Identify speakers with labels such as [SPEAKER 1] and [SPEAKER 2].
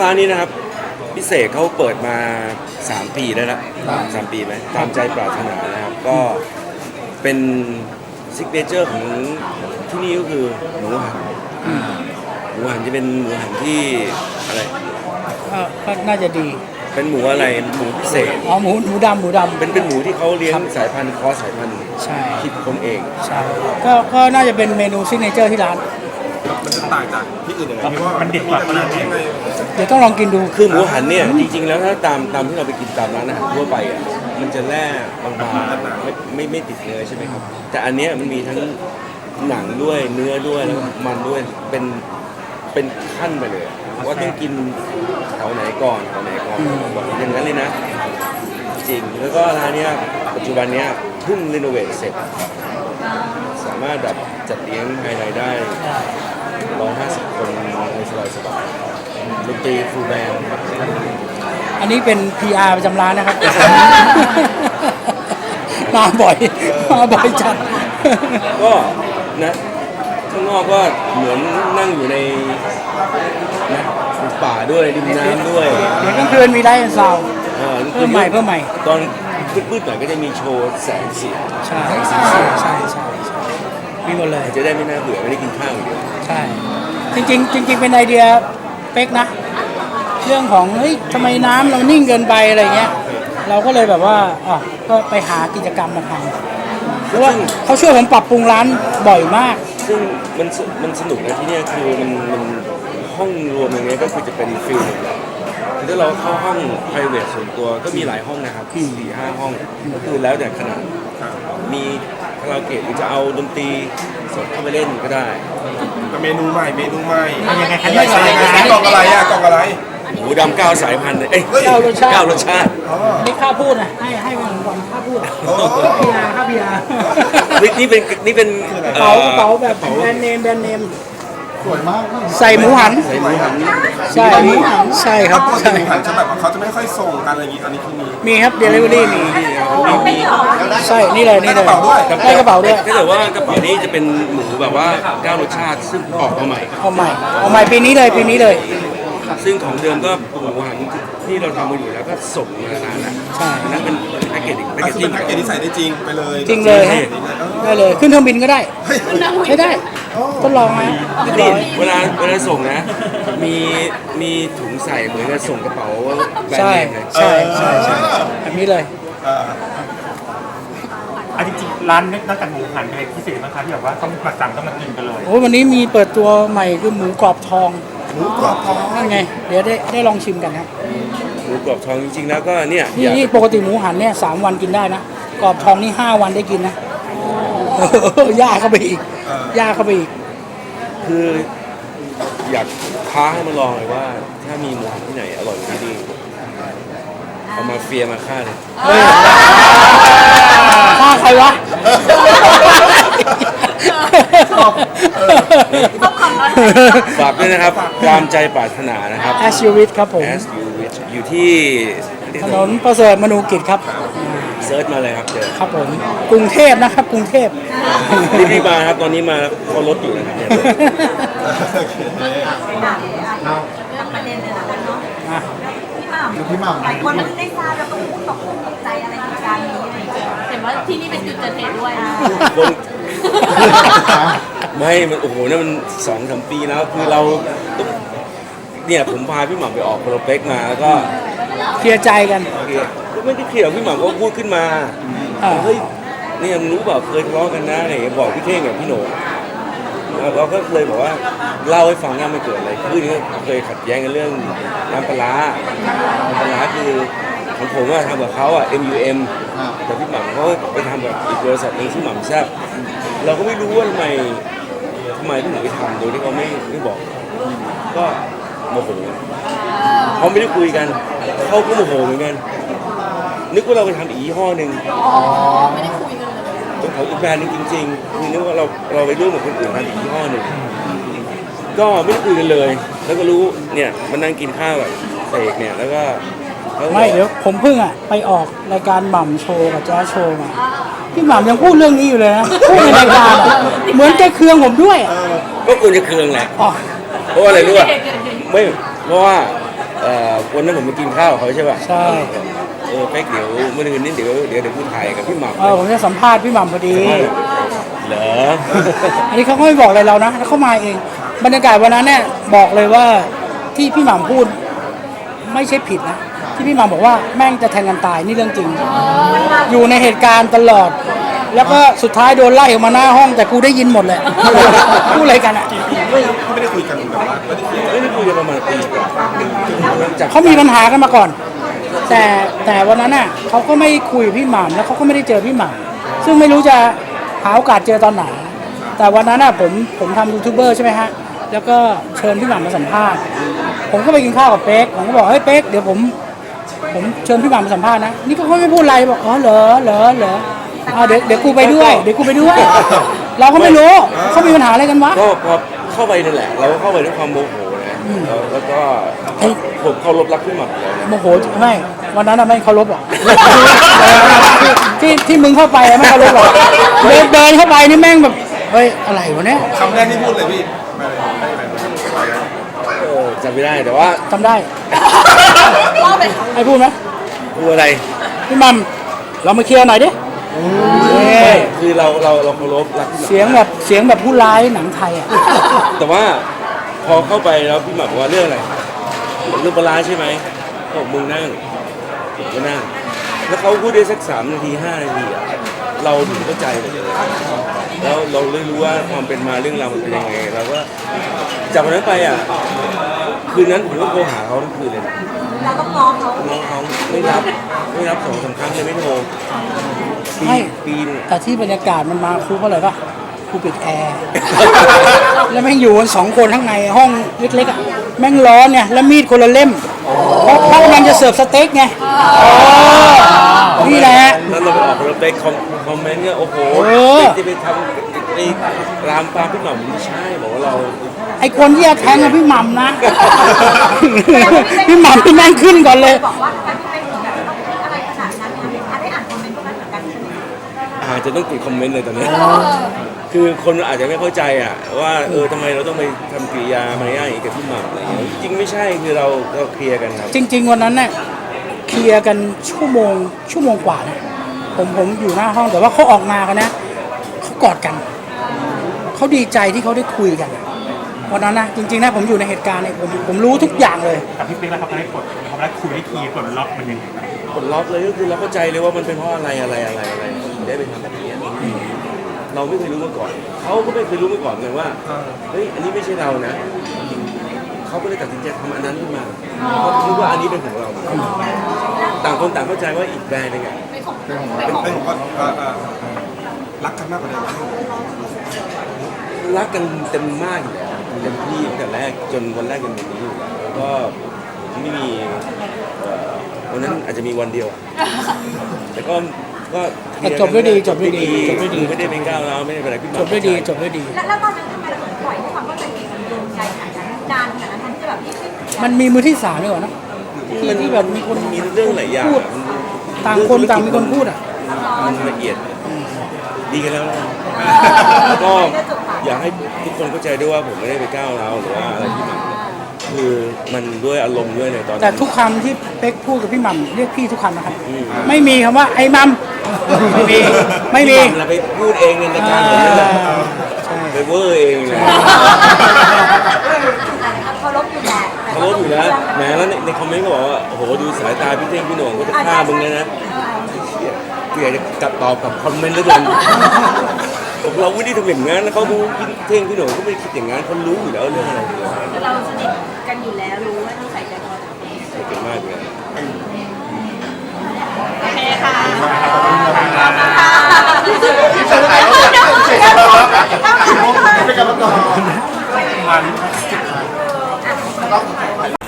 [SPEAKER 1] ร้านนี้นะครับพิเศษเขาเปิดมา3 ปีแล้วนะ3 ปีไหมตามใจปรารถนานะครับก็เป็นซิกเนเจอร์ของที่นี่ก็คือหมูหันจะเป็นหมูหันที่อะไร
[SPEAKER 2] ก็น่าจะดี
[SPEAKER 1] เป็นหมูอะไรหมูพิเศษ
[SPEAKER 2] อ๋อหมูดำ
[SPEAKER 1] เป็นหมูที่เขาเลี้ยงสายพันธุ์คอสสายพันธุ์
[SPEAKER 2] ใช่
[SPEAKER 1] คิดคนเอง
[SPEAKER 2] ใช่ก็น่าจะเป็นเมนูซิกเนเจอร์ที่ร้าน
[SPEAKER 3] มันจะต่างจากที่อื่นยังไงเพราะว่ามันเด็ดกว่าขนาดนี้
[SPEAKER 2] เดี๋ยวต้องลองกินดู
[SPEAKER 1] คือหมูหันเนี่ยจริงๆแล้วถ้าตามที่เราไปกินตามร้านอาหารทั่วไปอ่ะมันจะแร่บางๆไม่ติดเนื้อใช่ไหมครับแต่อันเนี้ยมันมีทั้งหนังด้วยเนื้อด้วยแล้วมันด้วยเป็นขั้นไปเลยว่าต้องกินแถวไหนก่อนบอกอย่างนั้นเลยนะจริงแล้วก็ร้านเนี้ยปัจจุบันเนี้ยเพิ่งรีโนเวทเสร็จสามารถแบบจัดเลี้ยงภายในได้150 คนในสบายๆดนตรีฟูลแบนด์
[SPEAKER 2] อันนี้เป็น PR ประจำร้านนะครับ มาบ่อยจัด
[SPEAKER 1] ก็นะข้างนอกก็เหมือนนั่งอยู่ในนะป่าด้วยริมน้ำด้วย
[SPEAKER 2] เดี๋ยวกลางคืนมีไลฟ์ซาวด์เพิ่มใหม่
[SPEAKER 1] ตอนมืดๆหน่อยก็จะมีโชว์แสงสี
[SPEAKER 2] ใช่มีหมดเลย
[SPEAKER 1] จะได้ไม่น่าเบื่อไม่ได้กินข้าวอย่างเดียว
[SPEAKER 2] ใช่จริงเป็นไอเดียเป๊กนะเรื่องของเฮ้ยทำไมน้ำเรานิ่งเกินไปอะไรเงี้ยเราก็เลยแบบว่าก็ไปหากิจกรรมมาทำเพราะว่าเขาช่วยผมปรับปรุงร้านบ่อยมาก
[SPEAKER 1] ซึ่งมันสนุกนะที่นี่คือมันห้องรวมอย่างเงี้ยก็คือจะเป็นฟิลหนึ่งคือถ้าเราเข้าห้อง private ส่วนตัวก็มีหลายห้องนะครับ4-5 ห้องก็คือแล้วแต่ขนาดมีคาราโอเกะหรือจะเอาดนตรีสดเข้าไปเล่นก็ได้
[SPEAKER 3] เมนูใหม่
[SPEAKER 2] ยังไง
[SPEAKER 3] กล่องอะไร
[SPEAKER 1] หมูดำ9 สายพันธุ์เอ้ย9 รสชาติ
[SPEAKER 2] นี่ข้าพูดนะให้ผมก่อนข้าพูดข้าพีอา
[SPEAKER 1] นี่เป็น
[SPEAKER 2] กระเป๋าแบบแบรนด์เนมสวยมากใส่หมูหันใช่ครับ
[SPEAKER 3] ใช่หมูหันจะแบบเขาจะไม่ค่อยส่งกันอะไรอย่างนี้อันนี้คือ
[SPEAKER 2] มีครับ delivery มีใช่นี่เลยได้กระเป๋าด้วยถ้าเ
[SPEAKER 1] กิดว่ากระเป๋านี้จะเป็นหมูแบบว่า9 รสชาติซึ่งออกมาใหม่
[SPEAKER 2] ปีนี้เลย
[SPEAKER 1] ซึ่งของเดิมก็หมูหันที่เราทำมาอยู่แล้วก็ส่งมานานแล้ว
[SPEAKER 2] ใช่
[SPEAKER 1] นั่นเป็นแพ็กเกจ
[SPEAKER 3] ที่ใส่ได้จริงไปเลย
[SPEAKER 2] จริงเลยได้เลยขึ้นเครื่องบินก็ได้ใช้ได้ทดลองไหม
[SPEAKER 1] นี่เวลาส่งนะมีถุงใส่เหมือนกับส่งกระเป๋าแบรนด์เนมเลย
[SPEAKER 2] ใช่แบบนี้เลย
[SPEAKER 4] จริงๆร้านนอกจากหมูหันอะไรพิเศษไหมคะที่แบบว่าต้องมาสั่งต้องมากินกันเลย
[SPEAKER 2] โอ้วันนี้มีเปิดตัวใหม่คือหมูกรอบทองนั่นไงเดี๋ยวได้ลองชิมกันครับ
[SPEAKER 1] หมูกรอบทองจริงๆแล้วก็เนี่ย
[SPEAKER 2] นี่ปกติหมูหันเนี่ย3 วันกินได้นะกรอบทองนี่5 วันได้กินนะย่าเข้าไปอีก
[SPEAKER 1] คืออยากท้าให้มาลองเลยว่าถ้ามีหมูหันที่ไหนอร่อยที่นี่เอามาเฟียมาฆ่าเลย
[SPEAKER 2] ฆ่าใครวะ
[SPEAKER 1] ฝากด้วยนะครับตามใจปรารถนานะครับ
[SPEAKER 2] As You Wish ครับผม
[SPEAKER 1] As You Wish อยู่ที่
[SPEAKER 2] ถนนประเสริฐมนูกิจครับ
[SPEAKER 1] เซิร์ชมาเลยครับเจอ
[SPEAKER 2] ครับผมกรุงเทพนะครับกรุงเทพ
[SPEAKER 1] รีบมาครับตอนนี้มาเขารถอยู่นะครับเนี่ย
[SPEAKER 5] ประเด็นเลยนะเนาะพี่หม่ำหลายคนมันได้ทราบแล้วก็พูดตกใจอะไรเหตุการณ์นี้เห็นว่าที่นี่เป็นจุดเกิดเหตุด้วย
[SPEAKER 1] ไม่มันโอ้โหนั่นมัน2-3 ปีแล้วคือเราต้องเนี่ยผมพาพี่หม่ำไปออกโปรเจกต์มาแล้วก็
[SPEAKER 2] เคลียร์ใจกัน
[SPEAKER 1] ไม่ได้เคลียร์พี่หม่ำก็พูดขึ้นมาเฮ้ยเนี่ยมึงรู้เปล่าเคยทะเลาะกันนะอะไรบอกพี่เท่งกับพี่โหน่งเราก็เลยบอกว่าเล่าให้ฟังว่ามันเกิดอะไรขึ้นเคยขัดแย้งกันเรื่องน้ำปลาคือของผมว่าทำกับเขาMUM แต่พี่หม่ำเขาไปทำกับอีกบริษัทนึงที่หม่ำแซ่บเราก็ไม่รู้ว่าทำไมพี่หม่ำไปทำโดยที่เขาไม่บอกก็โมโหเขาไม่ได้คุยกันเขาก็โมโหเหมือนกันนึกว่าเราไปทำอีกยี่ห้อหนึ่ง
[SPEAKER 5] ไม่ได้คุยกันเลย
[SPEAKER 1] ต้องขออีกแบรนด์นึงจริงๆคือนึกว่าเราไปร่วมกับคนอื่นทำอีกยี่ห้อหนึ่งก็ไม่ได้คุยกันเลยแล้วก็รู้เนี่ยมันนั่งกินข้าวกับเสกเนี่ยแล้วก็
[SPEAKER 2] ไม่เดี๋ยวผมเพิ่งไปออกรายการหม่ำโชว์กับแจ๊สโชว์มาพี่หม่ำยังพูดเรื่องนี้อยู่เลยนะพูดในรายการเหมือนแกเคืองผมด้วย
[SPEAKER 1] ก็ควรจะเคืองแหละเพราะอะไรรู้ป่ะไม่เพราะว่าวันนั้นผมไปกินข้าวกับเขาใช่ป่ะ
[SPEAKER 2] ใช่
[SPEAKER 1] เป๊กเดี๋ยวเมื่อคืนนี้เดี๋ยวกูถ่ายกับพี่หม่ำ
[SPEAKER 2] ผมจะสัมภาษณ์พี่หม่ำพอดี
[SPEAKER 1] เหรอ
[SPEAKER 2] อันนี้เขาก็ไม่บอกอะไรเรานะแล้วเขามาเอง บรรยากาศวันนั้นเนี่ยบอกเลยว่าที่พี่หม่ำพูดไม่ใช่ผิดนะที่พี่หม่ำบอกว่าแม่งจะแทงกันตายนี่เรื่องจริง อยู่ในเหตุการณ์ตลอด แล้วก็สุดท้ายโดนไล่ออกมาหน้าห้องแต่กูได้ยินหมดเลย พูดอะไรกันอ่ะ
[SPEAKER 3] ไม่ได้คุยกันแบบว่าไม่ได้เคลียร์
[SPEAKER 1] ไม่ได้คุยกันประมาณปีกว่าจาก
[SPEAKER 2] เขามีปัญหากันมาก่อน แต่วันนั้นน่ะเขาก็ไม่คุยกับพี่หม่ำแล้วเขาก็ไม่ได้เจอพี่หม่ำซึ่งไม่รู้จะหาโอกาสเจอตอนไหน แต่วันนั้นน่ะผมทำยูทูบเบอร์ใช่ไหมฮะแล้วก็เชิญพี่หม่ำมาสัมภาษณ์ผมก็ไปกินข้าวกับเป๊กผมก็บอกเฮ้ยเป๊กเดี๋ยวผมเชิญพี่หม่ำมาสัมภาษณ์นะนี่ก็เขาไม่พูดอะไรบอกอ๋อเหรอเดี๋ยวกูไปด้วยเราก็ไม่รู้เขามีปัญหาอะไรกันวะ
[SPEAKER 1] ก็พอเข้าไปนั่นแหละ เราก็เข้าไปด้วยความโมโหนะแล้วก็ผมเคารพรักพี่หม่ำอยู่แล้วนะ
[SPEAKER 2] โมโหไม่วันนั้นน่ะไม่เคารพหรอก ที่มึงเข้าไปอะไม่เคารพหรอกเดินเข้าไปนี่แม่งแบบเฮ้ยอะไรวะเนี่ย
[SPEAKER 3] คำแรกที่พูดเลยพี่ไม่ได้
[SPEAKER 1] จำไม่ได้แต่ว่า
[SPEAKER 2] จำได้ให้พูดไหม
[SPEAKER 1] พูดอะไร
[SPEAKER 2] พี่มัมเรามาเคลียร์หน่อยดิ
[SPEAKER 1] ไม่คือเราเคารพรักพี่หม่ำ
[SPEAKER 2] เสียงแบบผู้ร้ายหนังไทยอ่ะ
[SPEAKER 1] แต่ว่าพอเข้าไปแล้วพี่หม่ำบอกว่าเรื่องอะไรเรื่องปลาร้าใช่ไหมบอกมึงนั่งผมก็นั่งแล้วเขาพูดได้สัก3 นาที 5 นาทีอะเราถึงเข้าใจหมดเลยแล้วเราเลยรู้ว่าความเป็นมาเรื่องราวมันเป็นยังไงเราก็จากวันนั้นไปอ่ะคืนนั้นผมก็โทรหาเขาทั้งคืนเลยนะ
[SPEAKER 5] เราต้องง้อเขา
[SPEAKER 1] น้องเขาไม่รับ2-3 ครั้งเลยไม่โทรปีนึง
[SPEAKER 2] แต่ที่บรรยากาศมันมาครูเพราะอะไรป่ะครูปิดแอร์ แล้วแม่งอยู่กัน2 คนข้างในห้องเล็กๆอ่ะแม่งร้อนเนี่ยแล้วมีดคนละเล่มเพราะกำลังจะเสิร์ฟสเต็กไงนี่แหละ
[SPEAKER 1] แล้วเราไปออกเราไปคอมเมนต์เนี่ยโอ้โหจะไปทำไปรามปามพี่หม่ำไม่ใช่บอกว่าเรา
[SPEAKER 2] ไอคนที่จะแทงกับพี่หม่ำนะ พี่หม่ำพี่แม่งขึ้นก่อนเลย
[SPEAKER 5] บอกว่าทำไมพี่เป็นแบบต้องพูดอะไรขนาดนั้นเนี่ยได้อ่านคอมเมนต์พวกนั้นเหมือนกันใช่ไหม
[SPEAKER 1] อาจจะต้องปิดคอมเมนต์เลยตอนนี้ คือคนอาจจะไม่เข้าใจอ่ะว่าทำไมเราต้องไปทำกิริยามารยาทอย่างนี้กับพี่หม่ำอะไรอย่างเงี้ยจริงไม่ใช่คือเราเคลียร์กันครับ
[SPEAKER 2] จริง ๆ วันนั้นเนี่ยเคลียร์กันชั่วโมงกว่านะผมอยู่หน้าห้องแต่ว่าเขาออกมากันนะเขากอดกันเขาดีใจที่เขาได้คุยกันวันนั้นนะจริงๆนะผมอยู่ในเหตุการณ์เนี่ยผมรู้ทุกอย่างเลย
[SPEAKER 4] กับพี่เป๊กแล้วเขาได้กดเขาได้คุยได้คีย์กดล็อกมันยังไง
[SPEAKER 1] ผลล็อกเลยก็คือเราเข้าใจเลยว่ามันเป็นเพราะอะไรได้ไปทำแบบนี้เราไม่เคยรู้มาก่อนเขาก็ไม่เคยรู้มาก่อนเลยว่าเฮ้ยอันนี้ไม่ใช่เรานะเขาก็เลยตัดสินใจทำอันนั้นขึ้นมาเพราะคิดว่าอันนี้เป็นของเราต่างคนต่างเข้าใจว่าอีกแบรนด์นึงอ่ะ
[SPEAKER 3] เป็นผมก็รักกันมากกว่าเดิม
[SPEAKER 1] รักกันเต็มมากอยู่แล้วเต็มที่ตั้งแต่แรกจนวันแรกจนวันนี้อยู่แล้วแล้วก็ไม่มีวันนั้นอาจจะมีวันเดียวแต่ก็
[SPEAKER 2] จบด้วยดี
[SPEAKER 1] ไม่ได้เป็นก้าวร้าวไม่ได้เป็นอะไรขึ้นมา
[SPEAKER 2] จบด้วยดี
[SPEAKER 5] แล้วตอนนั้นทำไมเราถึงปล่อยให้ความเข้าใจผิดมันโยงใยขนาดนั้นนานขนาดนั้นที่แบบที่
[SPEAKER 2] มันมีมือที่3ด้วยเหรอนะที่แบบมีคน
[SPEAKER 1] มีเรื่องหลายอย่าง
[SPEAKER 2] พูดต่างคนต่างมีคนพูดอ่ะ
[SPEAKER 1] มันละเอียดดีกันแล้วแล้วก็อยากให้ทุกคนเข้าใจด้วยว่าผมไม่ได้ไปก้าวร้าวหรือว่าอะไรที่มันคือมันด้วยอารมณ์ด้วยในตอนนั้น
[SPEAKER 2] แต่ทุกคำที่เป๊กพูดกับพี่หม่ำเรียกพี่ทุกคำนะครับไม่มีคำว่าไอ้มัมไม่มี
[SPEAKER 1] เราไปพูดเองในรายการผมนั่นแหละไปเวอร์เองเลย
[SPEAKER 5] เคารพอยู่แหละ
[SPEAKER 1] เขาลบอยู่แล้วแหมแล้วในคอมเมนต์ก็บอกว่าโอ้โหดูสายตาพี่เท่งพี่โหน่งก็จะฆ่ามึงเลยนะเกลียดจะจับตอบกับคอมเมนต์แล้วกันผมเราไม่ได้ทำอย่างนั้นแล้วเขาดูพี่เท่งพี่โหน่งก็ไม่ได้คิดอย่างนั้นเขารู้อยู่แล้วเรื่องอะไรอยู่แล้ว
[SPEAKER 5] เราสนิทกันอยู่แล้วรู้ว่าต้องใส่ใจตัวเรา
[SPEAKER 1] เก่งมากเลย
[SPEAKER 5] โอเคค่ะ
[SPEAKER 3] เป็นการรับรอง
[SPEAKER 4] มัน